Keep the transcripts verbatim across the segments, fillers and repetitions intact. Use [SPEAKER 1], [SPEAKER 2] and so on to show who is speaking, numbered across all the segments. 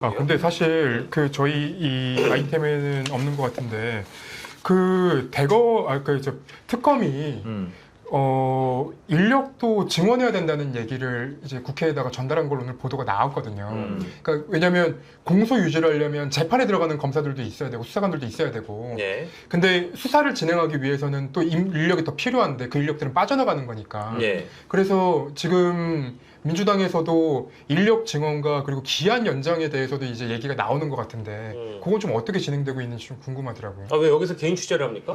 [SPEAKER 1] 아 근데 사실 그 저희 이 아이템에는 없는 것 같은데 그 대거 아그 저 특검이
[SPEAKER 2] 음.
[SPEAKER 1] 어 인력도 증원해야 된다는 얘기를 이제 국회에다가 전달한 걸로 오늘 보도가 나왔거든요.
[SPEAKER 2] 음.
[SPEAKER 1] 그러니까 왜냐하면 공소 유지를 하려면 재판에 들어가는 검사들도 있어야 되고 수사관들도 있어야 되고.
[SPEAKER 2] 예.
[SPEAKER 1] 근데 수사를 진행하기 위해서는 또 인- 인력이 더 필요한데 그 인력들은 빠져나가는 거니까.
[SPEAKER 2] 예.
[SPEAKER 1] 그래서 지금 민주당에서도 인력 증원과 그리고 기한 연장에 대해서도 이제 얘기가 나오는 것 같은데
[SPEAKER 2] 음.
[SPEAKER 1] 그건 좀 어떻게 진행되고 있는지 좀 궁금하더라고요.
[SPEAKER 2] 아 왜 여기서 개인 취재를 합니까?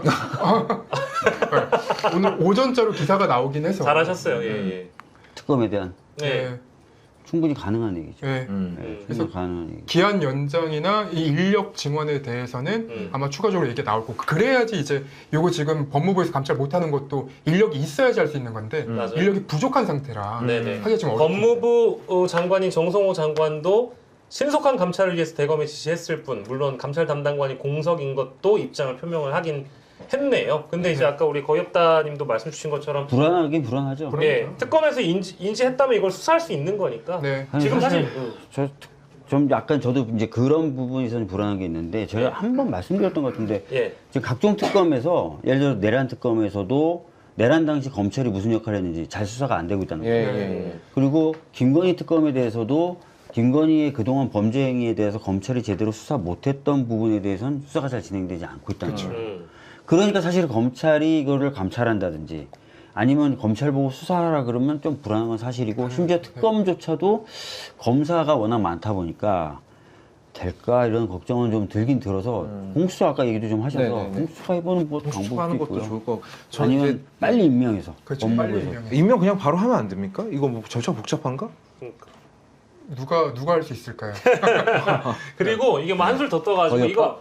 [SPEAKER 1] 네. 오늘 오전자로 기사가 나오긴 해서
[SPEAKER 2] 잘하셨어요. 예, 예.
[SPEAKER 3] 특검에 대한
[SPEAKER 2] 네.
[SPEAKER 1] 네.
[SPEAKER 3] 충분히 가능한 얘기죠.
[SPEAKER 1] 네.
[SPEAKER 2] 음.
[SPEAKER 3] 네,
[SPEAKER 2] 음.
[SPEAKER 3] 충분히 가능한 얘기.
[SPEAKER 1] 기한 연장이나 이 인력 증원에 대해서는
[SPEAKER 2] 음.
[SPEAKER 1] 아마 추가적으로 얘기가 나올 거고 그래야지 이제 요거 지금 법무부에서 감찰 못하는 것도 인력이 있어야지 할 수 있는 건데
[SPEAKER 2] 음. 맞아요.
[SPEAKER 1] 인력이 부족한 상태라
[SPEAKER 2] 네네.
[SPEAKER 1] 하기가 좀 어렵죠.
[SPEAKER 2] 법무부 어, 장관인 정성호 장관도 신속한 감찰을 위해서 대검에 지시했을 뿐 물론 감찰 담당관이 공석인 것도 입장을 표명을 하긴 했네요. 근데 이제
[SPEAKER 1] 네.
[SPEAKER 2] 아까 우리 거엽다님도 말씀 주신 것처럼
[SPEAKER 3] 불안하긴 불안하죠.
[SPEAKER 1] 불안-
[SPEAKER 2] 예,
[SPEAKER 1] 그렇죠.
[SPEAKER 2] 특검에서 인지, 인지했다면 이걸 수사할 수 있는 거니까
[SPEAKER 1] 네.
[SPEAKER 3] 아니,
[SPEAKER 2] 지금 사실,
[SPEAKER 3] 사실
[SPEAKER 2] 음,
[SPEAKER 3] 저 좀 약간 저도 이제 그런 부분에서는 불안한 게 있는데 제가 한 번 말씀드렸던 것 같은데
[SPEAKER 2] 예,
[SPEAKER 3] 지금 각종 특검에서 예를 들어 내란 특검에서도 내란 당시 검찰이 무슨 역할을 했는지 잘 수사가 안 되고 있다는
[SPEAKER 4] 예,
[SPEAKER 3] 거예요.
[SPEAKER 4] 예, 예.
[SPEAKER 3] 그리고 김건희 특검에 대해서도 김건희의 그동안 범죄 행위에 대해서 검찰이 제대로 수사 못했던 부분에 대해서는 수사가 잘 진행되지 않고 있다는
[SPEAKER 1] 그쵸.
[SPEAKER 3] 거예요.
[SPEAKER 2] 음,
[SPEAKER 3] 그러니까 사실 검찰이 이거를 감찰한다든지 아니면 검찰 보고 수사하라 그러면 좀 불안한 건 사실이고 심지어 특검조차도 검사가 워낙 많다 보니까 될까 이런 걱정은 좀 들긴 들어서 공수처 아까 얘기도 좀 하셔서
[SPEAKER 4] 네네네.
[SPEAKER 3] 공수처 해보는 뭐 방법도
[SPEAKER 4] 수사하는 것도
[SPEAKER 3] 있고요.
[SPEAKER 4] 좋을 것 같고 저는
[SPEAKER 3] 아니면
[SPEAKER 4] 이제
[SPEAKER 3] 빨리 임명해서
[SPEAKER 1] 그렇죠. 빨리
[SPEAKER 3] 법무부에서
[SPEAKER 1] 임명해.
[SPEAKER 4] 임명 그냥 바로 하면 안 됩니까? 이거 뭐 절차 복잡한가?
[SPEAKER 2] 그러니까.
[SPEAKER 1] 누가 누가 할 수 있을까요?
[SPEAKER 2] 그리고 이게 뭐 한술 더 떠가지고
[SPEAKER 4] 어렵다.
[SPEAKER 2] 이거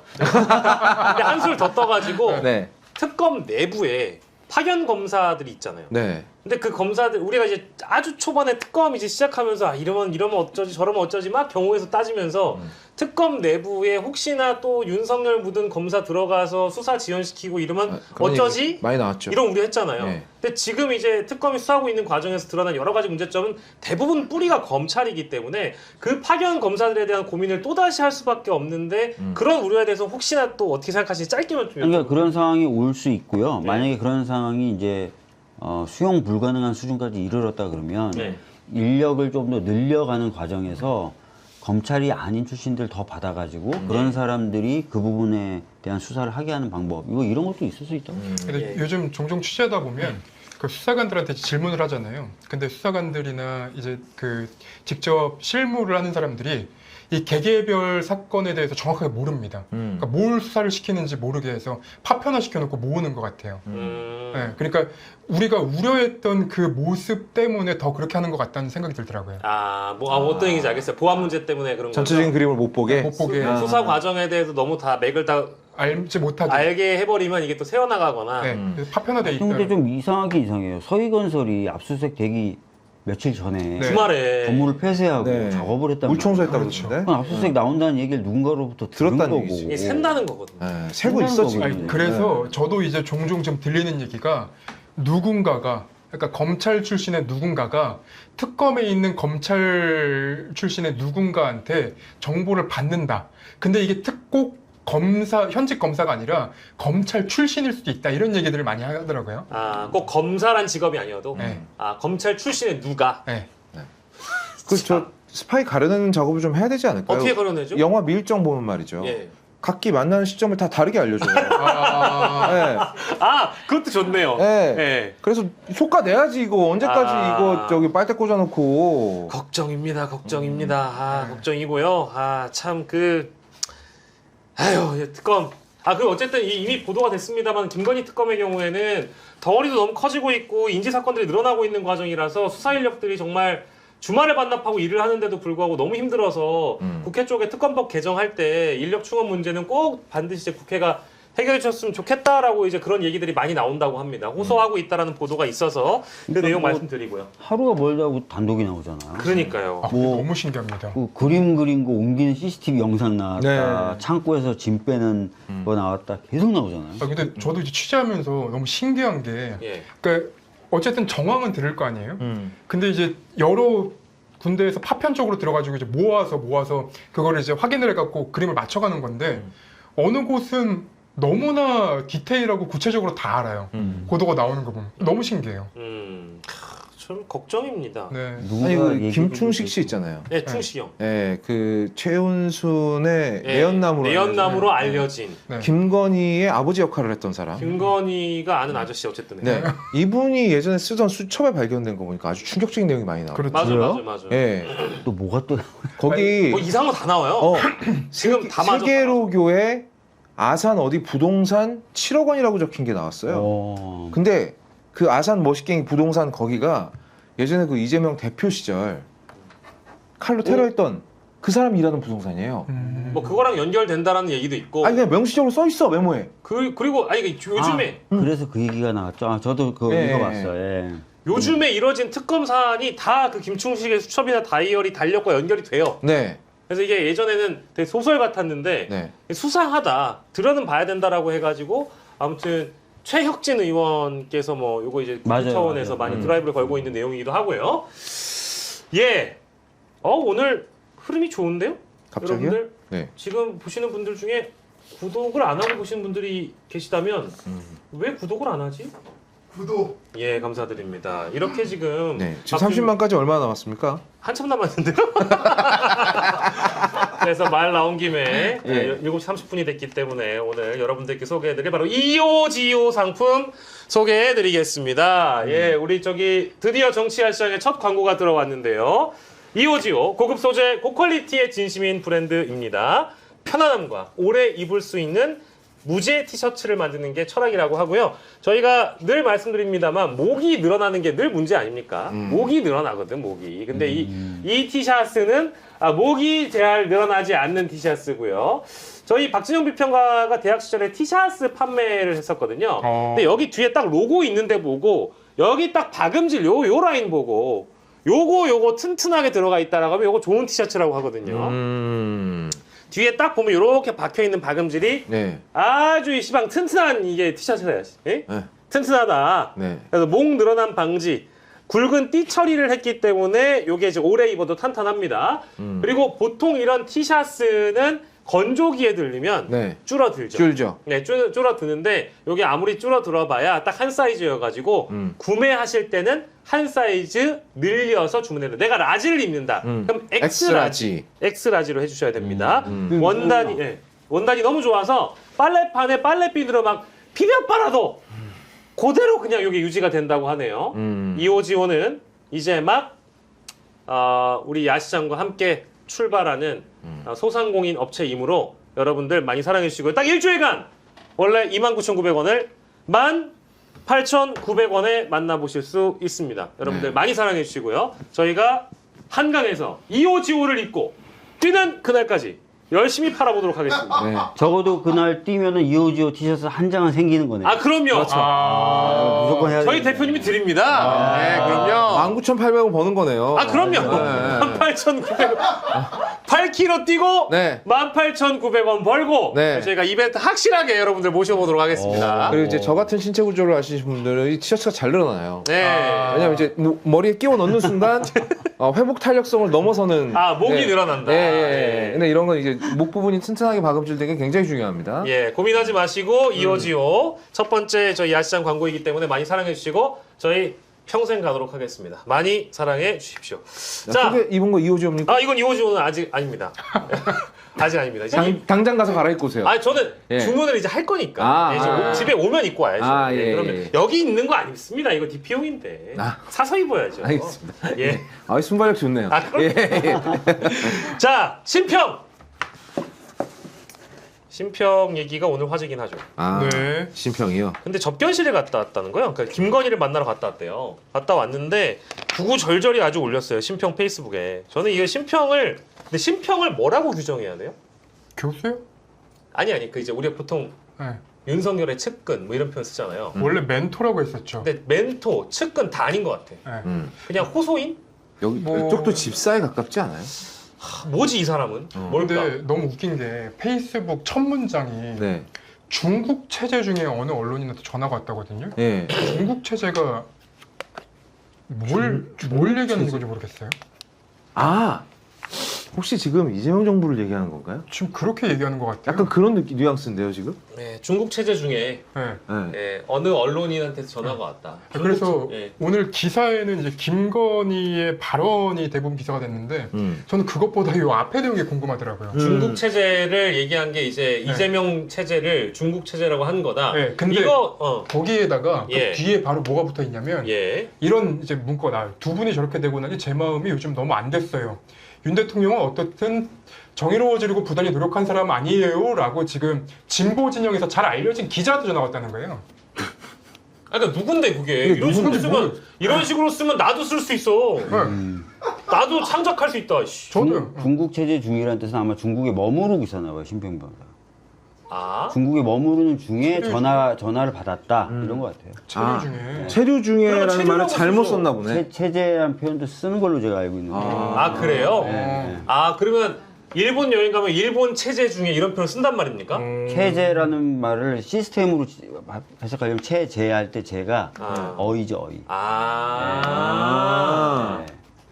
[SPEAKER 2] 근데 한술 더 떠가지고
[SPEAKER 4] 네,
[SPEAKER 2] 특검 내부에 파견 검사들이 있잖아요.
[SPEAKER 4] 네.
[SPEAKER 2] 근데 그 검사들 우리가 이제 아주 초반에 특검 이제 시작하면서 아 이러면 이러면 어쩌지 저러면 어쩌지 막 경우에서 따지면서
[SPEAKER 4] 음.
[SPEAKER 2] 특검 내부에 혹시나 또 윤석열 묻은 검사 들어가서 수사 지연시키고 이러면
[SPEAKER 4] 아, 그런
[SPEAKER 2] 어쩌지?
[SPEAKER 4] 얘기 많이 나왔죠.
[SPEAKER 2] 이런 우려 했잖아요.
[SPEAKER 4] 네.
[SPEAKER 2] 근데 지금 이제 특검이 수사하고 있는 과정에서 드러난 여러 가지 문제점은 대부분 뿌리가 검찰이기 때문에 그 파견 검사들에 대한 고민을 또다시 할 수밖에 없는데
[SPEAKER 4] 음.
[SPEAKER 2] 그런 우려에 대해서 혹시나 또 어떻게 생각하시는지 짧게만 좀
[SPEAKER 3] 그러니까
[SPEAKER 2] 여쭤볼게요.
[SPEAKER 3] 그런 상황이 올 수 있고요.
[SPEAKER 2] 네.
[SPEAKER 3] 만약에 그런 상황이 이제 어, 수용 불가능한 수준까지 이르렀다 그러면
[SPEAKER 2] 네.
[SPEAKER 3] 인력을 좀 더 늘려가는 과정에서 검찰이 아닌 출신들 더 받아가지고
[SPEAKER 2] 네.
[SPEAKER 3] 그런 사람들이 그 부분에 대한 수사를 하게 하는 방법 이거 이런 것도 있을 수 있다.
[SPEAKER 4] 음.
[SPEAKER 1] 근데
[SPEAKER 2] 예.
[SPEAKER 1] 요즘 종종 취재하다 보면 그 수사관들한테 질문을 하잖아요. 근데 수사관들이나 이제 그 직접 실무를 하는 사람들이 이 개개별 사건에 대해서 정확하게 모릅니다.
[SPEAKER 4] 음.
[SPEAKER 1] 그러니까 뭘 수사를 시키는지 모르게 해서 파편화 시켜놓고 모으는 것 같아요.
[SPEAKER 2] 음.
[SPEAKER 1] 네, 그러니까 우리가 우려했던 그 모습 때문에 더 그렇게 하는 것 같다는 생각이 들더라고요.
[SPEAKER 2] 아, 뭐 아, 어떤 얘기인지 알겠어요. 보안 문제 때문에 그런 거죠.
[SPEAKER 4] 전체적인 그림을 못 보게.
[SPEAKER 1] 못 보게
[SPEAKER 2] 수, 수사 과정에 대해서 너무 다 맥을 다
[SPEAKER 1] 알지 못하게.
[SPEAKER 2] 알게 해버리면 이게 또 새어나가거나
[SPEAKER 1] 네,
[SPEAKER 4] 음.
[SPEAKER 1] 그래서 파편화돼 있다.
[SPEAKER 3] 근데 좀 이상하게 이상해요. 서희건설이 압수수색 되기 며칠 전에
[SPEAKER 1] 네.
[SPEAKER 2] 주말에
[SPEAKER 3] 건물을 폐쇄하고
[SPEAKER 4] 네.
[SPEAKER 3] 작업을 했단
[SPEAKER 4] 물
[SPEAKER 3] 말이에요.
[SPEAKER 4] 청소했다고
[SPEAKER 1] 그렇죠.
[SPEAKER 4] 그러던데.
[SPEAKER 3] 그건 압수수색 나온다는 얘기를 누군가로부터 들은
[SPEAKER 4] 들었다는
[SPEAKER 3] 거고.
[SPEAKER 4] 얘기지.
[SPEAKER 2] 이게 샌다는 거거든요.
[SPEAKER 4] 네, 세고
[SPEAKER 3] 생각한
[SPEAKER 4] 있어 지금.
[SPEAKER 3] 거거든요.
[SPEAKER 1] 아니, 그래서 저도 이제 종종 좀 들리는 얘기가 누군가가 그러니까 검찰 출신의 누군가가 특검에 있는 검찰 출신의 누군가한테 정보를 받는다. 근데 이게 특꼭 검사 현직 검사가 아니라 검찰 출신일 수도 있다. 이런 얘기들을 많이 하더라고요.
[SPEAKER 2] 아, 꼭 검사란 직업이 아니어도
[SPEAKER 1] 네.
[SPEAKER 2] 아 검찰 출신의 누가
[SPEAKER 1] 네.
[SPEAKER 4] 그 저 스파이 가려내는 작업을 좀 해야 되지 않을까요?
[SPEAKER 2] 어떻게 걸어내죠?
[SPEAKER 4] 영화 밀정 보면 말이죠.
[SPEAKER 2] 예.
[SPEAKER 4] 각기 만나는 시점을 다 다르게 알려줘요.
[SPEAKER 1] 아,
[SPEAKER 4] 네.
[SPEAKER 2] 아, 그것도 좋네요.
[SPEAKER 4] 네.
[SPEAKER 2] 예.
[SPEAKER 4] 그래서 효과 내야지 이거 언제까지
[SPEAKER 2] 아.
[SPEAKER 4] 이거 저기 빨대 꽂아놓고.
[SPEAKER 2] 걱정입니다. 걱정입니다. 아, 걱정이고요. 아, 참 그 아유, 이 특검. 아, 그 어쨌든 이- 이미 보도가 됐습니다만 김건희 특검의 경우에는 덩어리도 너무 커지고 있고 인지 사건들이 늘어나고 있는 과정이라서 수사 인력들이 정말 주말에 반납하고 일을 하는데도 불구하고 너무 힘들어서
[SPEAKER 4] 음.
[SPEAKER 2] 국회 쪽에 특검법 개정할 때 인력 충원 문제는 꼭 반드시 이제 국회가 해결해 주셨으면 좋겠다라고 이제 그런 얘기들이 많이 나온다고 합니다. 호소하고 있다라는 보도가 있어서 그
[SPEAKER 3] 그러니까
[SPEAKER 2] 내용
[SPEAKER 3] 뭐-
[SPEAKER 2] 말씀드리고요.
[SPEAKER 3] 하루가 멀다고 단독이 나오잖아요.
[SPEAKER 2] 그러니까요.
[SPEAKER 1] 아,
[SPEAKER 3] 뭐-
[SPEAKER 1] 너무 신기합니다.
[SPEAKER 3] 그 그림 그린 거 옮기는 씨씨티비 영상 나왔다.
[SPEAKER 4] 네.
[SPEAKER 3] 창고에서 짐 빼는
[SPEAKER 4] 음.
[SPEAKER 3] 거 나왔다. 계속 나오잖아요.
[SPEAKER 1] 아, 근데 저도 이제 취재하면서 너무 신기한 게
[SPEAKER 2] 예.
[SPEAKER 1] 그러니까 어쨌든 정황은 들을 거 아니에요?
[SPEAKER 4] 음.
[SPEAKER 1] 근데 이제 여러 군대에서 파편적으로 들어가지고 이제 모아서 모아서 그거를 이제 확인을 해갖고 그림을 맞춰가는 건데
[SPEAKER 2] 음.
[SPEAKER 1] 어느 곳은 너무나 디테일하고 구체적으로 다 알아요.
[SPEAKER 4] 음.
[SPEAKER 1] 고도가 나오는 거 보면 너무 신기해요.
[SPEAKER 2] 음, 참 걱정입니다. 네,
[SPEAKER 1] 네.
[SPEAKER 3] 누군가
[SPEAKER 4] 아니 그
[SPEAKER 3] 얘기를
[SPEAKER 4] 김충식 씨
[SPEAKER 3] 듣고.
[SPEAKER 4] 있잖아요.
[SPEAKER 2] 충식이 형.
[SPEAKER 4] 예, 그 최은순의
[SPEAKER 2] 네,
[SPEAKER 4] 내연남으로
[SPEAKER 2] 내연남으로
[SPEAKER 1] 알려진.
[SPEAKER 2] 알려진
[SPEAKER 1] 네.
[SPEAKER 4] 김건희의 아버지 역할을 했던 사람.
[SPEAKER 2] 김건희가 아는 아저씨 어쨌든.
[SPEAKER 4] 네, 이분이 예전에 쓰던 수첩에 발견된 거 보니까 아주 충격적인 내용이 많이 나와요.
[SPEAKER 1] 그렇죠.
[SPEAKER 2] 맞아,
[SPEAKER 3] 그래요?
[SPEAKER 2] 맞아, 맞아.
[SPEAKER 4] 예,
[SPEAKER 3] 또 뭐가 또
[SPEAKER 4] 거기
[SPEAKER 2] 뭐 이상한 거 다 나와요.
[SPEAKER 4] 어,
[SPEAKER 2] 지금 다 맞아.
[SPEAKER 4] 세계로교에 아산 어디 부동산 칠억 원이라고 적힌 게 나왔어요.
[SPEAKER 3] 어...
[SPEAKER 4] 근데 그 아산 머시갱이 부동산 거기가 예전에 그 이재명 대표 시절 칼로 테러했던 그 사람이 일하는 부동산이에요.
[SPEAKER 1] 음.
[SPEAKER 2] 뭐 그거랑 연결된다라는 얘기도 있고.
[SPEAKER 4] 아니 그냥 명시적으로 써 있어 메모에.
[SPEAKER 2] 그 그리고 아니 이게 요즘에
[SPEAKER 3] 아, 그래서 그 얘기가 나왔죠. 아, 저도 그거
[SPEAKER 4] 예,
[SPEAKER 3] 읽어봤어요. 예.
[SPEAKER 2] 요즘에 이뤄진 특검 사안이 다 그 김충식의 수첩이나 다이어리 달력과 연결이 돼요.
[SPEAKER 4] 네,
[SPEAKER 2] 그래서 이게 예전에는 되게 소설 같았는데
[SPEAKER 4] 네.
[SPEAKER 2] 수상하다, 들어는 봐야 된다라고 해가지고 아무튼 최혁진 의원께서 뭐 요거 이제
[SPEAKER 3] 맞아요,
[SPEAKER 2] 국회 차원에서
[SPEAKER 3] 맞아요.
[SPEAKER 2] 많이
[SPEAKER 4] 음.
[SPEAKER 2] 드라이브를 걸고 있는 내용이기도 하고요. 예, 어 오늘 흐름이 좋은데요?
[SPEAKER 4] 갑자기요?
[SPEAKER 2] 여러분들
[SPEAKER 4] 네.
[SPEAKER 2] 지금 보시는 분들 중에 구독을 안 하고 보시는 분들이 계시다면
[SPEAKER 4] 음.
[SPEAKER 2] 왜 구독을 안 하지?
[SPEAKER 1] 구독.
[SPEAKER 2] 예, 감사드립니다. 이렇게 지금
[SPEAKER 4] 네. 지금
[SPEAKER 2] 박준-
[SPEAKER 4] 삼십만까지 얼마나 남았습니까?
[SPEAKER 2] 한참 남았는데요? 그래서 말 나온 김에
[SPEAKER 4] 예.
[SPEAKER 2] 일곱 시 삼십 분이 됐기 때문에 오늘 여러분들께 소개해드릴 바로 이오지오 상품 소개해드리겠습니다. 예, 우리 저기 드디어 정치화 시장에 첫 광고가 들어왔는데요. 이오지오 고급 소재 고퀄리티의 진심인 브랜드입니다. 편안함과 오래 입을 수 있는 무제 티셔츠를 만드는 게 철학이라고 하고요. 저희가 늘 말씀드립니다만 목이 늘어나는 게 늘 문제 아닙니까?
[SPEAKER 4] 음.
[SPEAKER 2] 목이 늘어나거든, 목이. 근데 이, 이 티셔츠는 아, 목이 잘 늘어나지 않는 티셔츠고요. 저희 박진영 비평가가 대학 시절에 티셔츠 판매를 했었거든요.
[SPEAKER 1] 어.
[SPEAKER 2] 근데 여기 뒤에 딱 로고 있는데 보고 여기 딱 박음질 요, 요 라인 보고 요거 요거 튼튼하게 들어가 있다라고 하면 요거 좋은 티셔츠라고 하거든요.
[SPEAKER 4] 음.
[SPEAKER 2] 뒤에 딱 보면 이렇게 박혀 있는 박음질이
[SPEAKER 4] 네.
[SPEAKER 2] 아주 이 시방 튼튼한 이게 티셔츠야. 예?
[SPEAKER 4] 네.
[SPEAKER 2] 튼튼하다.
[SPEAKER 4] 네.
[SPEAKER 2] 그래서 목 늘어난 방지, 굵은 띠 처리를 했기 때문에 이게 이제 오래 입어도 탄탄합니다.
[SPEAKER 4] 음.
[SPEAKER 2] 그리고 보통 이런 티셔츠는 건조기에 들리면
[SPEAKER 4] 네.
[SPEAKER 2] 줄어들죠.
[SPEAKER 4] 줄죠.
[SPEAKER 2] 네, 줄, 줄어드는데 이게 아무리 줄어들어봐야 딱 한 사이즈여가지고
[SPEAKER 4] 음.
[SPEAKER 2] 구매하실 때는 한 사이즈 늘려서 주문해요. 내가 라지를 입는다.
[SPEAKER 4] 음.
[SPEAKER 2] 그럼 X라지, X라지로 해주셔야 됩니다.
[SPEAKER 4] 음.
[SPEAKER 2] 원단이 예, 원단이 너무 좋아서 빨래판에 빨래비누로 막 비벼 빨아도 그대로 그냥 여기 유지가 된다고 하네요.
[SPEAKER 4] 음.
[SPEAKER 2] 이오지오는 이제 막 어, 우리 야시장과 함께 출발하는
[SPEAKER 4] 음.
[SPEAKER 2] 어, 소상공인 업체이므로 여러분들 많이 사랑해 주시고요. 딱 일주일간 원래 이만 구천구백 원을 만 팔천구백 원에 만나보실 수 있습니다. 여러분들
[SPEAKER 4] 네.
[SPEAKER 2] 많이 사랑해 주시고요. 저희가 한강에서 이오지오를 입고 뛰는 그날까지 열심히 팔아보도록 하겠습니다.
[SPEAKER 4] 네.
[SPEAKER 3] 적어도 그날 뛰면은 이오지오 티셔츠 한 장은 생기는 거네요.
[SPEAKER 2] 아 그럼요.
[SPEAKER 1] 아.
[SPEAKER 3] 무조건 해야
[SPEAKER 2] 저희
[SPEAKER 3] 되겠네.
[SPEAKER 2] 대표님이 드립니다. 네, 그럼요.
[SPEAKER 4] 만 구천팔백 원 버는 거네요.
[SPEAKER 2] 아 그럼요.
[SPEAKER 4] 네.
[SPEAKER 2] 만 팔천구백 원. 팔 킬로미터 뛰고
[SPEAKER 4] 네.
[SPEAKER 2] 만 팔천구백 원 벌고
[SPEAKER 4] 네.
[SPEAKER 2] 저희가 이벤트 확실하게 여러분들 모셔보도록 하겠습니다.
[SPEAKER 4] 그리고 이제 저 같은 신체 구조를 아시는 분들은 이 티셔츠가 잘 늘어나요.
[SPEAKER 2] 네.
[SPEAKER 4] 왜냐면 이제 뭐 머리에 끼워 넣는 순간 어, 회복 탄력성을 넘어서는
[SPEAKER 2] 아, 목이
[SPEAKER 4] 네.
[SPEAKER 2] 늘어난다.
[SPEAKER 4] 예, 예, 예.
[SPEAKER 2] 예.
[SPEAKER 4] 근데 이런 건 이제 목 부분이 튼튼하게 박음질된 게 굉장히 중요합니다.
[SPEAKER 2] 예, 고민하지 마시고 이오지오 첫 번째 저희 야시장 광고이기 때문에 많이 사랑해 주시고 저희 평생 가도록 하겠습니다. 많이 사랑해 주십시오.
[SPEAKER 4] 자,
[SPEAKER 2] 자,
[SPEAKER 4] 소개 입은 거 이호지옵니까?
[SPEAKER 2] 아 이건 이오지오는 아직 아닙니다. 아직 아닙니다. 이제 이-
[SPEAKER 4] 당, 당장 가서 갈아입고 오세요.
[SPEAKER 2] 아 저는
[SPEAKER 4] 예.
[SPEAKER 2] 주문을 이제 할 거니까
[SPEAKER 4] 아,
[SPEAKER 2] 예, 이제
[SPEAKER 4] 아.
[SPEAKER 2] 집에 오면 입고 와야죠.
[SPEAKER 4] 아,
[SPEAKER 2] 예,
[SPEAKER 4] 예,
[SPEAKER 2] 그러면
[SPEAKER 4] 예.
[SPEAKER 2] 여기 있는 거 안 입습니다. 이거 디피용인데
[SPEAKER 4] 아.
[SPEAKER 2] 사서 입어야죠.
[SPEAKER 4] 알겠습니다.
[SPEAKER 2] 예.
[SPEAKER 4] 아, 순발력 좋네요.
[SPEAKER 2] 아, 그럼-
[SPEAKER 4] 예, 예.
[SPEAKER 2] 자 신평. 신평 얘기가 오늘 화제긴 하죠.
[SPEAKER 4] 아,
[SPEAKER 1] 네.
[SPEAKER 4] 신평이요.
[SPEAKER 2] 근데 접견실에 갔다 왔다는 거예요. 그러니까 김건희를 만나러 갔다 왔대요. 갔다 왔는데 구구절절히 아주 올렸어요. 신평 페이스북에. 저는 이게 신평을 근데 신평을 뭐라고 규정해야 돼요?
[SPEAKER 1] 교수요?
[SPEAKER 2] 아니 아니 그 이제 우리가 보통
[SPEAKER 1] 네.
[SPEAKER 2] 윤석열의 측근 뭐 이런 표현 쓰잖아요.
[SPEAKER 1] 원래 멘토라고 했었죠.
[SPEAKER 2] 근데 멘토, 측근 다 아닌 것 같아.
[SPEAKER 1] 네.
[SPEAKER 4] 음.
[SPEAKER 2] 그냥 호소인?
[SPEAKER 4] 여기
[SPEAKER 1] 뭐-
[SPEAKER 4] 이쪽도 집사에 가깝지 않아요?
[SPEAKER 2] 하, 뭐지 이 사람은?
[SPEAKER 4] 어.
[SPEAKER 2] 뭘까?
[SPEAKER 1] 근데 너무 웃긴 게 페이스북 첫 문장이
[SPEAKER 4] 네.
[SPEAKER 1] 중국 체제 중에 어느 언론인한테 전화가 왔다거든요.
[SPEAKER 4] 예.
[SPEAKER 1] 중국 체제가 뭘, 뭘 얘기하는 건지 모르겠어요.
[SPEAKER 4] 아 혹시 지금 이재명 정부를 얘기하는 건가요?
[SPEAKER 1] 지금 그렇게 얘기하는 것 같아요.
[SPEAKER 4] 약간 그런 느낌 뉘앙스인데요 지금?
[SPEAKER 2] 네, 중국 체제 중에
[SPEAKER 1] 네.
[SPEAKER 4] 네.
[SPEAKER 2] 예, 어느 언론인한테 전화가 왔다.
[SPEAKER 1] 그래서
[SPEAKER 2] 중국 체- 예.
[SPEAKER 1] 오늘 기사에는 이제 김건희의 발언이 대부분 기사가 됐는데
[SPEAKER 4] 음.
[SPEAKER 1] 저는 그것보다 이 앞에 내용이 궁금하더라고요.
[SPEAKER 4] 음.
[SPEAKER 2] 중국 체제를 얘기한 게 이제
[SPEAKER 1] 네.
[SPEAKER 2] 이재명 체제를 중국 체제라고 한 거다.
[SPEAKER 1] 네, 근데
[SPEAKER 2] 이거 어,
[SPEAKER 1] 거기에다가
[SPEAKER 2] 예.
[SPEAKER 1] 그 뒤에 바로 뭐가 붙어 있냐면
[SPEAKER 2] 예.
[SPEAKER 1] 이런 이제 문구가 나와요. 두 분이 저렇게 되고 나니 제 마음이 요즘 너무 안 됐어요. 윤 대통령은 어떻든 정의로워지려고 부단히 노력한 사람 아니에요? 라고 지금 진보 진영에서 잘 알려진 기자한테 전화 왔다는 거예요.
[SPEAKER 2] 아, 그러니까 누군데 그게
[SPEAKER 4] 이게
[SPEAKER 2] 이런 식으로
[SPEAKER 1] 누군지
[SPEAKER 2] 쓰면
[SPEAKER 1] 모르-
[SPEAKER 2] 이런 식으로 쓰면 나도 쓸 수 있어.
[SPEAKER 1] 네.
[SPEAKER 3] 음.
[SPEAKER 2] 나도 창작할 수 있다. 씨.
[SPEAKER 1] 저도요.
[SPEAKER 3] 중, 중국 체제 중이라는 뜻은 아마 중국에 머무르고 있었나 봐요, 심평변호사.
[SPEAKER 2] 아,
[SPEAKER 3] 중국에 머무르는 중에
[SPEAKER 1] 체류
[SPEAKER 3] 전화 전화를 받았다
[SPEAKER 4] 음.
[SPEAKER 3] 이런 것 같아요.
[SPEAKER 1] 체류
[SPEAKER 4] 아.
[SPEAKER 1] 중에.
[SPEAKER 4] 체류
[SPEAKER 2] 그러면
[SPEAKER 4] 중에라는
[SPEAKER 2] 체류라고
[SPEAKER 4] 말을 잘못
[SPEAKER 2] 쓰죠.
[SPEAKER 4] 썼나 보네.
[SPEAKER 3] 체, 체제란 표현도 쓰는 걸로 제가 알고 있는데.
[SPEAKER 4] 아.
[SPEAKER 2] 아 그래요?
[SPEAKER 3] 네, 네.
[SPEAKER 2] 아 그러면 일본 여행 가면 일본 체제 중에 이런 표현 쓴단 말입니까?
[SPEAKER 1] 음,
[SPEAKER 3] 체제라는 말을 시스템으로 지- 해석하려면 체제할 때 제가
[SPEAKER 2] 아.
[SPEAKER 3] 어이죠 어이.
[SPEAKER 2] 아.
[SPEAKER 4] 아.
[SPEAKER 3] 네.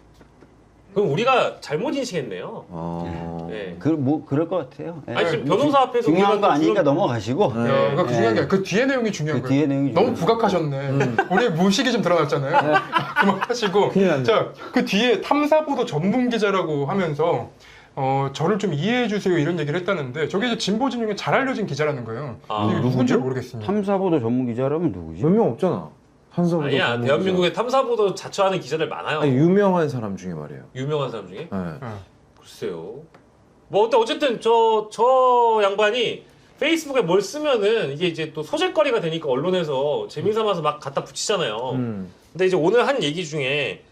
[SPEAKER 2] 그럼 우리가 잘못 인식했네요.
[SPEAKER 4] 어.
[SPEAKER 2] 네.
[SPEAKER 3] 그 뭐 그럴 것 같아요. 네.
[SPEAKER 2] 아니 지금 변호사 앞에서
[SPEAKER 3] 중요한
[SPEAKER 2] 우리가
[SPEAKER 3] 거 아니니까
[SPEAKER 2] 지금-
[SPEAKER 3] 넘어가시고.
[SPEAKER 4] 네.
[SPEAKER 1] 야, 그러니까 그
[SPEAKER 3] 네.
[SPEAKER 1] 중요한 게 그 뒤에 내용이 중요한
[SPEAKER 3] 그
[SPEAKER 1] 거예요.
[SPEAKER 3] 뒤에 내용이
[SPEAKER 1] 너무
[SPEAKER 3] 중요해요.
[SPEAKER 1] 부각하셨네. 우리 무식이 좀 드러났잖아요. 그만하시고.
[SPEAKER 4] 큰일 났네.
[SPEAKER 1] 자, 그 뒤에 탐사보도 전문 기자라고 하면서 어, 저를 좀 이해해 주세요 이런 얘기를 했다는데 저게 이제 진보 진영에 잘 알려진 기자라는 거예요.
[SPEAKER 2] 아,
[SPEAKER 1] 이게 누군지 모르겠습니다.
[SPEAKER 3] 탐사보도 전문 기자라면 누구지?
[SPEAKER 4] 몇 명 없잖아. 한성도
[SPEAKER 2] 아니야 대한민국에 탐사보도 자처하는 기자들 많아요.
[SPEAKER 4] 아니 유명한 사람 중에 말이에요.
[SPEAKER 2] 유명한 사람 중에?
[SPEAKER 4] 네.
[SPEAKER 1] 어.
[SPEAKER 2] 글쎄요. 뭐 근데 어쨌든 저 저 양반이 페이스북에 뭘 쓰면은 이게 이제 또 소재거리가 되니까 언론에서 재미삼아서 막 갖다 붙이잖아요.
[SPEAKER 4] 음.
[SPEAKER 2] 근데 이제 오늘 한 얘기 중에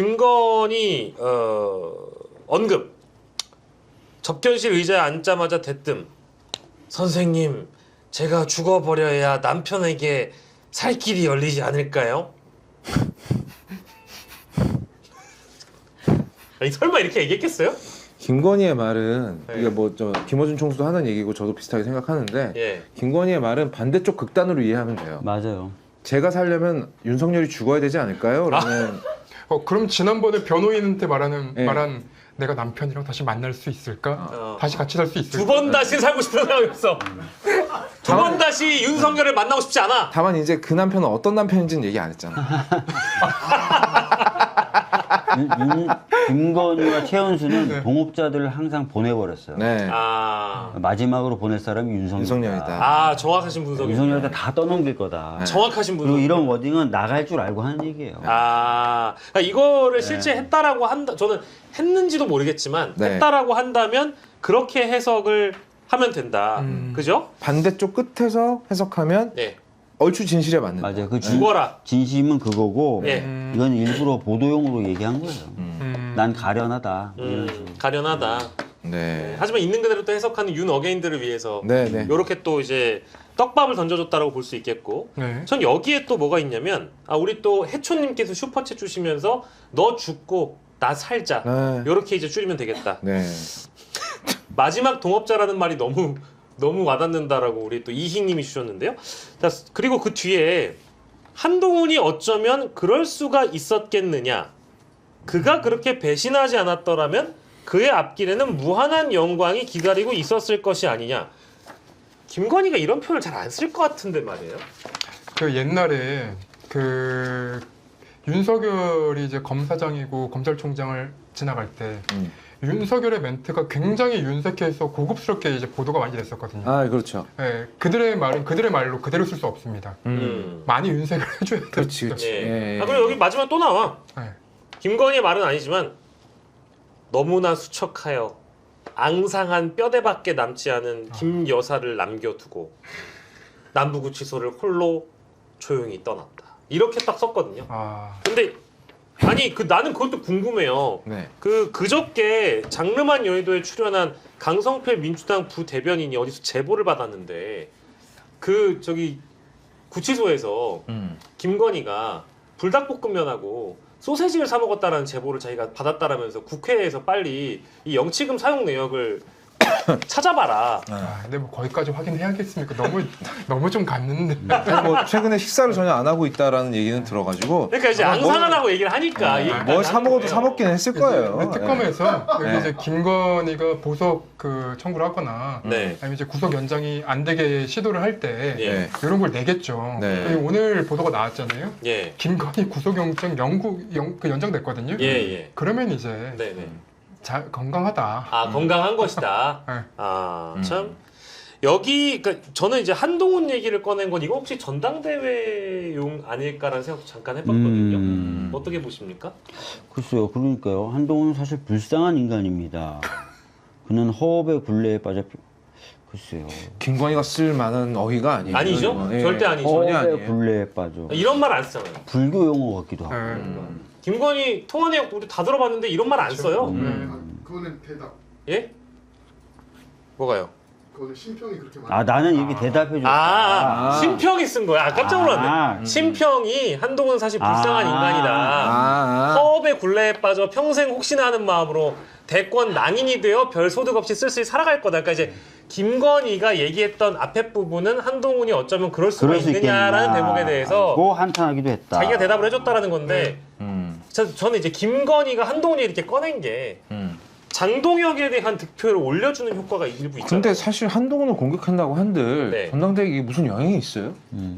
[SPEAKER 2] 김건희 어, 언급 접견실 의자에 앉자마자 대뜸 선생님 제가 죽어버려야 남편에게 살 길이 열리지 않을까요? 아니 설마 이렇게 얘기했겠어요?
[SPEAKER 4] 김건희의 말은
[SPEAKER 2] 네.
[SPEAKER 4] 이게 뭐 저 김어준 총수도 하는 얘기고 저도 비슷하게 생각하는데
[SPEAKER 2] 예.
[SPEAKER 4] 김건희의 말은 반대쪽 극단으로 이해하면 돼요.
[SPEAKER 3] 맞아요.
[SPEAKER 4] 제가 살려면 윤석열이 죽어야 되지 않을까요? 라는
[SPEAKER 1] 어, 그럼 지난번에 변호인한테 말하는
[SPEAKER 4] 네.
[SPEAKER 1] 말한 내가 남편이랑 다시 만날 수 있을까?
[SPEAKER 2] 어.
[SPEAKER 1] 다시 같이 살 수 있을까?
[SPEAKER 2] 두 번 다시 살고 싶은 생각이 없어. 두 번 다시 윤석열을 만나고 싶지 않아.
[SPEAKER 4] 다만 이제 그 남편은 어떤 남편인지는 얘기 안 했잖아.
[SPEAKER 3] 윤, 윤, 김건희와 최은수는
[SPEAKER 1] 네.
[SPEAKER 3] 동업자들을 항상 보내버렸어요.
[SPEAKER 4] 네.
[SPEAKER 2] 아,
[SPEAKER 3] 마지막으로 보낼 사람이 윤석열.
[SPEAKER 4] 윤석열이다.
[SPEAKER 2] 아 정확하신 분석이.
[SPEAKER 3] 윤석열이다 다 떠넘길 거다.
[SPEAKER 4] 네.
[SPEAKER 2] 정확하신 분석.
[SPEAKER 3] 그리고 이런 워딩은 나갈 줄 알고 하는 얘기예요.
[SPEAKER 2] 아, 그러니까 이거를
[SPEAKER 3] 네.
[SPEAKER 2] 실제 했다라고 한다. 저는 했는지도 모르겠지만
[SPEAKER 4] 네.
[SPEAKER 2] 했다라고 한다면 그렇게 해석을 하면 된다.
[SPEAKER 1] 음.
[SPEAKER 2] 그죠?
[SPEAKER 4] 반대쪽 끝에서 해석하면
[SPEAKER 2] 네.
[SPEAKER 4] 얼추 진실에 맞는다.
[SPEAKER 3] 맞아요. 그 진,
[SPEAKER 2] 죽어라.
[SPEAKER 3] 진심은 그거고
[SPEAKER 2] 예.
[SPEAKER 1] 음,
[SPEAKER 3] 이건 일부러 보도용으로 얘기한 거예요.
[SPEAKER 4] 음.
[SPEAKER 1] 음,
[SPEAKER 3] 난 가련하다. 이런 식으로.
[SPEAKER 2] 음, 가련하다.
[SPEAKER 4] 네.
[SPEAKER 2] 하지만 있는 그대로 또 해석하는 윤 어게인들을 위해서
[SPEAKER 4] 네, 네.
[SPEAKER 2] 이렇게 또 이제 떡밥을 던져줬다라고 볼 수 있겠고.
[SPEAKER 1] 네.
[SPEAKER 2] 전 여기에 또 뭐가 있냐면 아 우리 또 해초님께서 슈퍼챗 주시면서 너 죽고 나 살자.
[SPEAKER 4] 네.
[SPEAKER 2] 이렇게 이제 줄이면 되겠다.
[SPEAKER 4] 네.
[SPEAKER 2] 마지막 동업자라는 말이 너무 너무 와닿는다라고 우리 또 이희님이 주셨는데요. 자, 그리고 그 뒤에 한동훈이 어쩌면 그럴 수가 있었겠느냐. 그가 그렇게 배신하지 않았더라면 그의 앞길에는 무한한 영광이 기다리고 있었을 것이 아니냐. 김건희가 이런 표현을 잘 안 쓸 것 같은데 말이에요.
[SPEAKER 1] 그 옛날에 그 윤석열이 이제 검사장이고 검찰총장을 지나갈 때
[SPEAKER 4] 음.
[SPEAKER 1] 윤석열의 멘트가 굉장히 윤색해서 고급스럽게 이제 보도가 많이 됐었거든요.
[SPEAKER 4] 아, 그렇죠.
[SPEAKER 1] 예, 그들의 말은 그들의 말로 그대로 쓸 수 없습니다.
[SPEAKER 2] 음.
[SPEAKER 1] 많이 윤색을 해줘야 돼요.
[SPEAKER 4] 그렇지, 그렇지.
[SPEAKER 2] 예.
[SPEAKER 4] 예.
[SPEAKER 2] 아, 그리고 여기 마지막 또 나와.
[SPEAKER 1] 예.
[SPEAKER 2] 김건희의 말은 아니지만 너무나 수척하여 앙상한 뼈대밖에 남지 않은 김 여사를 남겨두고 남부구치소를 홀로 조용히 떠났다. 이렇게 딱 썼거든요.
[SPEAKER 1] 아,
[SPEAKER 2] 근데 아니 그 나는 그것도 궁금해요.
[SPEAKER 4] 네.
[SPEAKER 2] 그 그저께 장르만 여의도에 출연한 강성필 민주당 부대변인이 어디서 제보를 받았는데 그 저기 구치소에서
[SPEAKER 4] 음.
[SPEAKER 2] 김건희가 불닭볶음면하고 소세지를 사 먹었다라는 제보를 자기가 받았다라면서 국회에서 빨리 이 영치금 사용 내역을 찾아봐라.
[SPEAKER 1] 아, 근데 뭐 거기까지 확인해야겠습니까? 너무 너무 좀 갔는데.
[SPEAKER 4] 아니, 뭐 최근에 식사를 전혀 안 하고 있다라는 얘기는 들어가지고
[SPEAKER 2] 그러니까 이제
[SPEAKER 4] 아마 뭘-
[SPEAKER 2] 앙상하다고 얘기를 하니까 이게
[SPEAKER 4] 뭘 사 먹어도
[SPEAKER 2] 거예요.
[SPEAKER 4] 사 먹긴 했을 거예요.
[SPEAKER 1] 근데 특검에서 여기
[SPEAKER 4] 네.
[SPEAKER 1] 이제 김건희가 보석 그 청구를 하거나
[SPEAKER 2] 네.
[SPEAKER 1] 아니면 이제 구속 연장이 안 되게 시도를 할 때
[SPEAKER 2] 예.
[SPEAKER 4] 네.
[SPEAKER 1] 이런 걸 내겠죠.
[SPEAKER 4] 네.
[SPEAKER 1] 그리고 오늘 보도가 나왔잖아요.
[SPEAKER 2] 예.
[SPEAKER 1] 김건희 구속영장 영구 영, 그 연장됐거든요.
[SPEAKER 2] 예, 예.
[SPEAKER 1] 그러면 이제
[SPEAKER 2] 네, 네.
[SPEAKER 1] 자, 건강하다.
[SPEAKER 2] 아, 건강한 것이다.
[SPEAKER 1] 네.
[SPEAKER 2] 아,
[SPEAKER 4] 음.
[SPEAKER 2] 참. 여기, 그러니까 저는 이제 한동훈 얘기를 꺼낸 건 이거 혹시 전당대회용 아닐까라는 생각도 잠깐 해봤거든요.
[SPEAKER 3] 음.
[SPEAKER 2] 어떻게 보십니까?
[SPEAKER 3] 글쎄요. 그러니까요. 한동훈은 사실 불쌍한 인간입니다. 그는 허업의 굴레에 빠져 글쎄요.
[SPEAKER 4] 김건희가 쓸 만한 어휘가 아니에요.
[SPEAKER 2] 아니죠?
[SPEAKER 4] 예.
[SPEAKER 2] 절대 아니죠.
[SPEAKER 4] 전혀
[SPEAKER 3] 허업의
[SPEAKER 4] 아니에요.
[SPEAKER 3] 굴레에 빠져.
[SPEAKER 2] 이런 말 안 쓰잖아요.
[SPEAKER 3] 불교 용어 같기도 하고.
[SPEAKER 1] 네.
[SPEAKER 4] 음.
[SPEAKER 2] 김건희 통화 내용 우리 다 들어봤는데 이런 말 안 써요.
[SPEAKER 3] 음.
[SPEAKER 5] 아, 그거는 대답.
[SPEAKER 2] 예? 뭐가요?
[SPEAKER 5] 그거는 심평이 그렇게 많아.
[SPEAKER 3] 아 나는 이렇게 대답해 줬다.
[SPEAKER 2] 아,
[SPEAKER 4] 아.
[SPEAKER 2] 심평이 쓴 거야. 아, 깜짝 놀랐네.
[SPEAKER 3] 아.
[SPEAKER 2] 심평이 한동훈은 사실 불쌍한
[SPEAKER 3] 아.
[SPEAKER 2] 인간이다.
[SPEAKER 4] 아, 아.
[SPEAKER 2] 허업의 굴레에 빠져 평생 혹시나 하는 마음으로 대권 낭인이 되어 별 소득 없이 쓸쓸히 살아갈 거다. 그러니까 이제 김건희가 얘기했던 앞에 부분은 한동훈이 어쩌면 그럴 수가
[SPEAKER 3] 그럴 수
[SPEAKER 2] 있느냐라는
[SPEAKER 3] 있겠나.
[SPEAKER 2] 대목에 대해서
[SPEAKER 3] 고 한탄하기도 했다.
[SPEAKER 2] 자기가 대답을 해줬다라는 건데
[SPEAKER 4] 음,
[SPEAKER 2] 저, 저는 이제 김건희가 한동훈이 이렇게 꺼낸 게
[SPEAKER 4] 음.
[SPEAKER 2] 장동혁에 대한 득표를 올려주는 효과가 일부 있잖아요.
[SPEAKER 4] 근데 사실 한동훈을 공격한다고 한들
[SPEAKER 2] 네.
[SPEAKER 4] 전당대회에 이게 무슨 영향이 있어요?
[SPEAKER 3] 음.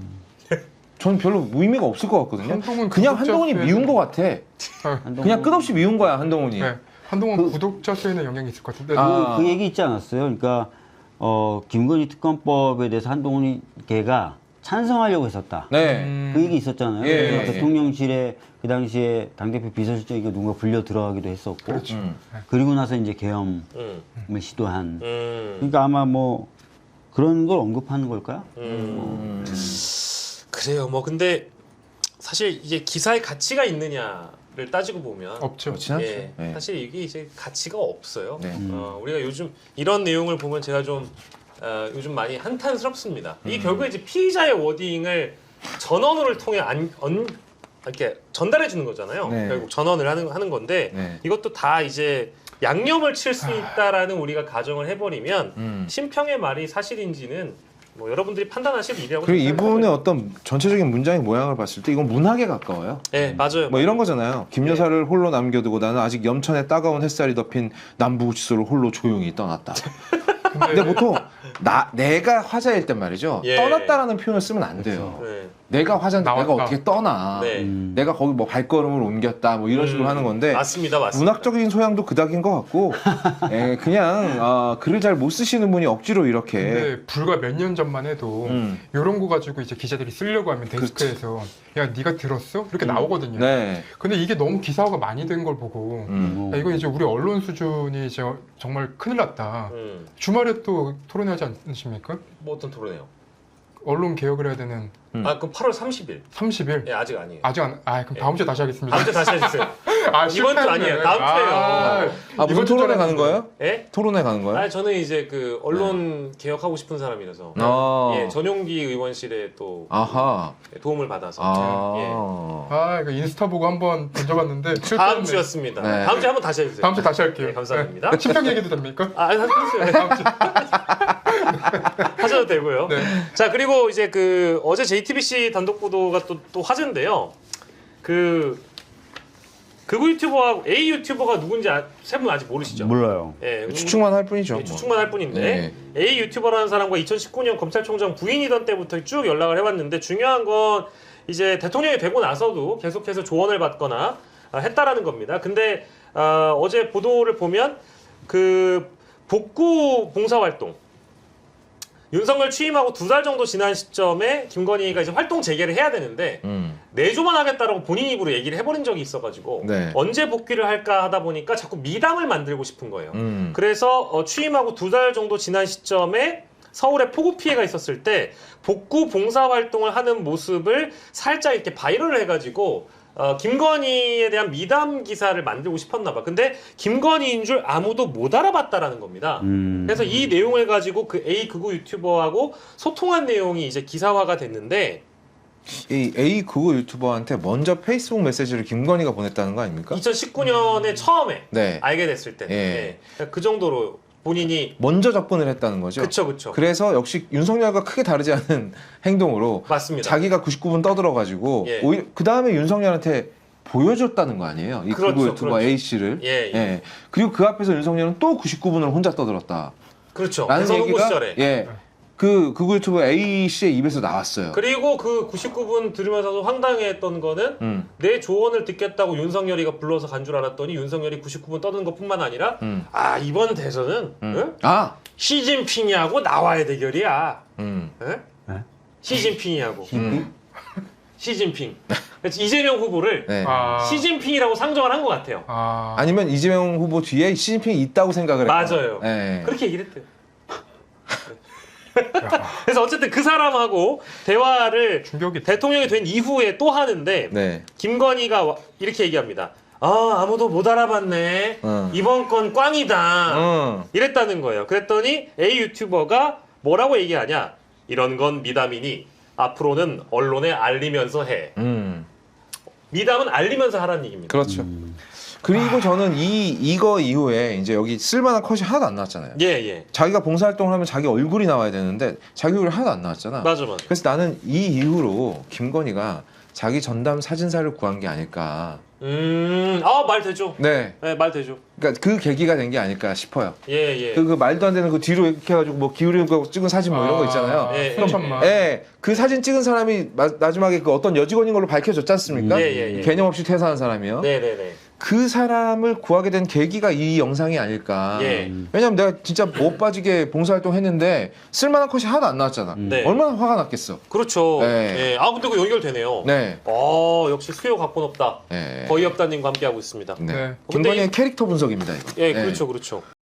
[SPEAKER 4] 전 별로 의미가 없을 것 같거든요.
[SPEAKER 1] 한동훈
[SPEAKER 4] 그냥
[SPEAKER 1] 구독자
[SPEAKER 4] 한동훈이
[SPEAKER 1] 수에는-
[SPEAKER 4] 미운 것 같아.
[SPEAKER 3] 한동훈-
[SPEAKER 4] 그냥 끝없이 미운 거야 한동훈이.
[SPEAKER 1] 네. 한동훈
[SPEAKER 3] 그-
[SPEAKER 1] 구독자 수에는 영향이 있을 것 같은데.
[SPEAKER 4] 아.
[SPEAKER 3] 그, 그 얘기 있지 않았어요? 그러니까 어, 김건희 특검법에 대해서 한동훈이 걔가 찬성하려고 했었다.
[SPEAKER 4] 네.
[SPEAKER 1] 음,
[SPEAKER 3] 그 얘기 있었잖아요.
[SPEAKER 4] 예,
[SPEAKER 3] 그래서
[SPEAKER 4] 예.
[SPEAKER 3] 대통령실에 그 당시에 당대표 비서실장이가 누군가 불려 들어가기도 했었고,
[SPEAKER 1] 그렇죠.
[SPEAKER 4] 음.
[SPEAKER 3] 그리고 나서 이제 계엄을
[SPEAKER 2] 음,
[SPEAKER 3] 시도한.
[SPEAKER 2] 음,
[SPEAKER 3] 그러니까 아마 뭐 그런 걸 언급하는 걸까요?
[SPEAKER 2] 음.
[SPEAKER 4] 음.
[SPEAKER 2] 그래요. 뭐 근데 사실 이게 기사의 가치가 있느냐를 따지고 보면
[SPEAKER 1] 없죠.
[SPEAKER 4] 그렇진 않죠.
[SPEAKER 2] 예,
[SPEAKER 4] 네.
[SPEAKER 2] 사실 이게 이제 가치가 없어요.
[SPEAKER 4] 네.
[SPEAKER 3] 음.
[SPEAKER 2] 어, 우리가 요즘 이런 내용을 보면 제가 좀 어, 요즘 많이 한탄스럽습니다. 이
[SPEAKER 4] 음.
[SPEAKER 2] 결국에 이제 피의자의 워딩을 전원을 통해 안, 언, 이렇게 전달해 주는 거잖아요.
[SPEAKER 4] 네.
[SPEAKER 2] 결국 전원을 하는 하는 건데
[SPEAKER 4] 네.
[SPEAKER 2] 이것도 다 이제 양념을 칠 수 있다라는 우리가 가정을 해버리면
[SPEAKER 4] 음.
[SPEAKER 2] 심평의 말이 사실인지는 뭐 여러분들이 판단하실 일이라고
[SPEAKER 4] 그리고
[SPEAKER 2] 생각을
[SPEAKER 4] 이분의
[SPEAKER 2] 해요.
[SPEAKER 4] 어떤 전체적인 문장의 모양을 봤을 때 이건 문학에 가까워요.
[SPEAKER 2] 네, 맞아요.
[SPEAKER 4] 뭐 이런 거잖아요. 김
[SPEAKER 2] 네.
[SPEAKER 4] 여사를 홀로 남겨두고 나는 아직 염천에 따가운 햇살이 덮인 남부지소를 홀로 조용히 떠났다. 근데 보통 나 내가 화자일 땐 말이죠.
[SPEAKER 2] 예.
[SPEAKER 4] 떠났다라는 표현을 쓰면 안 돼요.
[SPEAKER 2] 네.
[SPEAKER 4] 내가 화자인데
[SPEAKER 1] 나왔다.
[SPEAKER 4] 내가 어떻게 떠나?
[SPEAKER 2] 네.
[SPEAKER 3] 음.
[SPEAKER 4] 내가 거기 뭐 발걸음을 옮겼다 뭐 이런 식으로
[SPEAKER 2] 음,
[SPEAKER 4] 하는 건데
[SPEAKER 2] 맞습니다, 맞습니다.
[SPEAKER 4] 문학적인 소양도 그닥인 것 같고 예, 그냥 어, 글을 잘 못 쓰시는 분이 억지로 이렇게
[SPEAKER 1] 근데 불과 몇 년 전만 해도
[SPEAKER 4] 음.
[SPEAKER 1] 이런 거 가지고 이제 기자들이 쓰려고 하면 데스크에서 야 네가 들었어? 이렇게 나오거든요.
[SPEAKER 4] 네.
[SPEAKER 1] 근데 이게 너무 기사화가 많이 된 걸 보고
[SPEAKER 4] 음.
[SPEAKER 1] 야, 이건 이제 우리 언론 수준이 이제 정말 큰일 났다.
[SPEAKER 2] 음,
[SPEAKER 1] 주말에 또 토론하지 않으십니까?
[SPEAKER 2] 뭐 어떤 토론이에요?
[SPEAKER 1] 언론 개혁을 해야 되는
[SPEAKER 4] 음.
[SPEAKER 2] 아, 그럼 팔월 삼십일.
[SPEAKER 1] 삼십 일.
[SPEAKER 2] 예, 아직 아니에요.
[SPEAKER 1] 아직 안, 아, 그럼 다음 주에 다시 하겠습니다.
[SPEAKER 2] 다음 주 다시 해주세요.
[SPEAKER 1] 아,
[SPEAKER 2] 이번 주
[SPEAKER 1] 실패했네.
[SPEAKER 2] 아니에요. 다음 주에요.
[SPEAKER 4] 아 무슨
[SPEAKER 1] 이번 주
[SPEAKER 4] 토론회
[SPEAKER 1] 전에
[SPEAKER 4] 가는 거예요?
[SPEAKER 2] 예?
[SPEAKER 4] 토론회 가는 거예요?
[SPEAKER 2] 아, 저는 이제 그 언론 개혁하고 싶은 사람이라서
[SPEAKER 4] 아.
[SPEAKER 2] 예, 전용기 의원실에 또
[SPEAKER 4] 아하.
[SPEAKER 2] 도움을 받아서
[SPEAKER 4] 아.
[SPEAKER 2] 예.
[SPEAKER 1] 아, 이거 인스타 보고 한번 던져봤는데 실패했네.
[SPEAKER 2] 다음 주였습니다.
[SPEAKER 4] 네.
[SPEAKER 2] 다음 주에 한번 다시 해주세요.
[SPEAKER 1] 다음 주 다시 할게요.
[SPEAKER 2] 네, 감사합니다.
[SPEAKER 1] 네. 친평 얘기도 됩니까?
[SPEAKER 2] 아, 하세요.
[SPEAKER 1] 다음 주.
[SPEAKER 2] 하셔도 되고요.
[SPEAKER 1] 네.
[SPEAKER 2] 자, 그리고 이제 그 어제 제이티비씨 단독 보도가 또, 또 화제인데요. 그 극우 유튜버하고 A 유튜버가 누군지 아, 세 분 아직 모르시죠?
[SPEAKER 3] 몰라요.
[SPEAKER 2] 예,
[SPEAKER 4] 추측만 할 뿐이죠.
[SPEAKER 2] 예,
[SPEAKER 4] 뭐.
[SPEAKER 2] 추측만 할 뿐인데
[SPEAKER 4] 네.
[SPEAKER 2] A 유튜버라는 사람과 이천십구 년 검찰총장 부인이던 때부터 쭉 연락을 해왔는데 중요한 건 이제 대통령이 되고 나서도 계속해서 조언을 받거나 아, 했다라는 겁니다. 근데 아, 어제 보도를 보면 그 복구 봉사활동 윤석열 취임하고 두 달 정도 지난 시점에 김건희가 이제 활동 재개를 해야 되는데
[SPEAKER 4] 음.
[SPEAKER 2] 내조만 하겠다라고 본인 입으로 얘기를 해버린 적이 있어가지고
[SPEAKER 4] 네.
[SPEAKER 2] 언제 복귀를 할까 하다 보니까 자꾸 미담을 만들고 싶은 거예요.
[SPEAKER 4] 음.
[SPEAKER 2] 그래서 어, 취임하고 두 달 정도 지난 시점에 서울에 폭우 피해가 있었을 때 복구 봉사 활동을 하는 모습을 살짝 이렇게 바이럴을 해가지고 어, 김건희에 대한 미담 기사를 만들고 싶었나 봐. 근데 김건희인 줄 아무도 못 알아봤다라는 겁니다.
[SPEAKER 3] 음.
[SPEAKER 2] 그래서 이 내용을 가지고 그 A 극우 유튜버하고 소통한 내용이 이제 기사화가 됐는데
[SPEAKER 4] 이 A 극우 유튜버한테 먼저 페이스북 메시지를 김건희가 보냈다는 거 아닙니까?
[SPEAKER 2] 이천십구 년에 처음에
[SPEAKER 4] 네.
[SPEAKER 2] 알게 됐을 때
[SPEAKER 4] 예.
[SPEAKER 2] 예. 그 정도로 본인이
[SPEAKER 4] 먼저 접근을 했다는 거죠.
[SPEAKER 2] 그쵸 그쵸.
[SPEAKER 4] 그래서 역시 윤석열과 크게 다르지 않은 행동으로
[SPEAKER 2] 맞습니다.
[SPEAKER 4] 자기가 구십구 분 떠들어가지고
[SPEAKER 2] 예.
[SPEAKER 4] 오히려 그 다음에 윤석열한테 보여줬다는 거 아니에요? 이
[SPEAKER 2] 그렇죠,
[SPEAKER 4] 구글 유튜버
[SPEAKER 2] 그렇죠.
[SPEAKER 4] A 씨를.
[SPEAKER 2] 예, 예.
[SPEAKER 4] 그리고 그 앞에서 윤석열은 또 구십구 분을 혼자 떠들었다.
[SPEAKER 2] 그렇죠.
[SPEAKER 4] 라는
[SPEAKER 2] 대선 후보
[SPEAKER 4] 얘기가
[SPEAKER 2] 시절에.
[SPEAKER 4] 예. 그 구글 유튜버 A 씨의 입에서 나왔어요.
[SPEAKER 2] 그리고 그 구십구 분 들으면서도 황당해했던 거는
[SPEAKER 4] 음.
[SPEAKER 2] 내 조언을 듣겠다고 윤석열이가 불러서 간 줄 알았더니 윤석열이 구십구 분 떠드는 것뿐만 아니라
[SPEAKER 4] 음.
[SPEAKER 2] 아 이번 대선은
[SPEAKER 4] 음.
[SPEAKER 2] 응?
[SPEAKER 4] 아.
[SPEAKER 2] 시진핑이하고 나와의 대결이야.
[SPEAKER 4] 음.
[SPEAKER 2] 응?
[SPEAKER 3] 네?
[SPEAKER 2] 시진핑이하고
[SPEAKER 4] 음.
[SPEAKER 2] 시진핑. 그래서 이재명 후보를
[SPEAKER 4] 네.
[SPEAKER 1] 아,
[SPEAKER 2] 시진핑이라고 상정을 한 것 같아요.
[SPEAKER 1] 아,
[SPEAKER 4] 아니면 이재명 후보 뒤에 시진핑이 있다고 생각을 했고.
[SPEAKER 2] 맞아요.
[SPEAKER 4] 네.
[SPEAKER 2] 그렇게 얘기를 했대요. 그래서 어쨌든 그 사람하고 대화를
[SPEAKER 1] 충격이
[SPEAKER 2] 대통령이 된 이후에 또 하는데
[SPEAKER 4] 네.
[SPEAKER 2] 김건희가 와- 이렇게 얘기합니다. 아 아무도 못 알아봤네.
[SPEAKER 4] 어.
[SPEAKER 2] 이번 건 꽝이다.
[SPEAKER 4] 어.
[SPEAKER 2] 이랬다는 거예요. 그랬더니 A 유튜버가 뭐라고 얘기하냐. 이런 건 미담이니 앞으로는 언론에 알리면서 해.
[SPEAKER 4] 음.
[SPEAKER 2] 미담은 알리면서 하라는 얘기입니다.
[SPEAKER 4] 그렇죠.
[SPEAKER 3] 음.
[SPEAKER 4] 그리고 저는 이 이거 이후에 이제 여기 쓸만한 컷이 하나도 안 나왔잖아요.
[SPEAKER 2] 예 예.
[SPEAKER 4] 자기가 봉사활동을 하면 자기 얼굴이 나와야 되는데 자기 얼굴이 하나도 안 나왔잖아.
[SPEAKER 2] 맞아 맞아.
[SPEAKER 4] 그래서 나는 이 이후로 김건희가 자기 전담 사진사를 구한 게 아닐까.
[SPEAKER 2] 음, 아 말 되죠.
[SPEAKER 4] 네.
[SPEAKER 2] 네, 말 되죠.
[SPEAKER 4] 그러니까 그 계기가 된 게 아닐까 싶어요.
[SPEAKER 2] 예 예.
[SPEAKER 4] 그, 그 말도 안 되는 그 뒤로 이렇게 해가지고 뭐 기울이고 찍은 사진 뭐 이런 거 있잖아요.
[SPEAKER 2] 예,
[SPEAKER 1] 수천만.
[SPEAKER 4] 예, 그 사진 찍은 사람이 마, 마지막에 그 어떤 여직원인 걸로 밝혀졌지 않습니까?
[SPEAKER 2] 예, 예, 예.
[SPEAKER 4] 개념 없이 퇴사한 사람이요.
[SPEAKER 2] 네네네.
[SPEAKER 4] 그 사람을 구하게 된 계기가 이 영상이 아닐까.
[SPEAKER 2] 예.
[SPEAKER 4] 왜냐면 내가 진짜 못 빠지게 봉사활동 했는데 쓸만한 컷이 하나도 안 나왔잖아.
[SPEAKER 2] 네.
[SPEAKER 4] 얼마나 화가 났겠어.
[SPEAKER 2] 그렇죠.
[SPEAKER 4] 네.
[SPEAKER 2] 예. 아 근데 그 연결되네요.
[SPEAKER 4] 네.
[SPEAKER 2] 어 역시 수요 각본 없다.
[SPEAKER 4] 네.
[SPEAKER 2] 거의 없다님과 함께 하고 있습니다.
[SPEAKER 4] 네.
[SPEAKER 1] 네.
[SPEAKER 4] 김건희의 캐릭터 분석입니다, 이거.
[SPEAKER 2] 예,
[SPEAKER 4] 네.
[SPEAKER 2] 그렇죠, 그렇죠.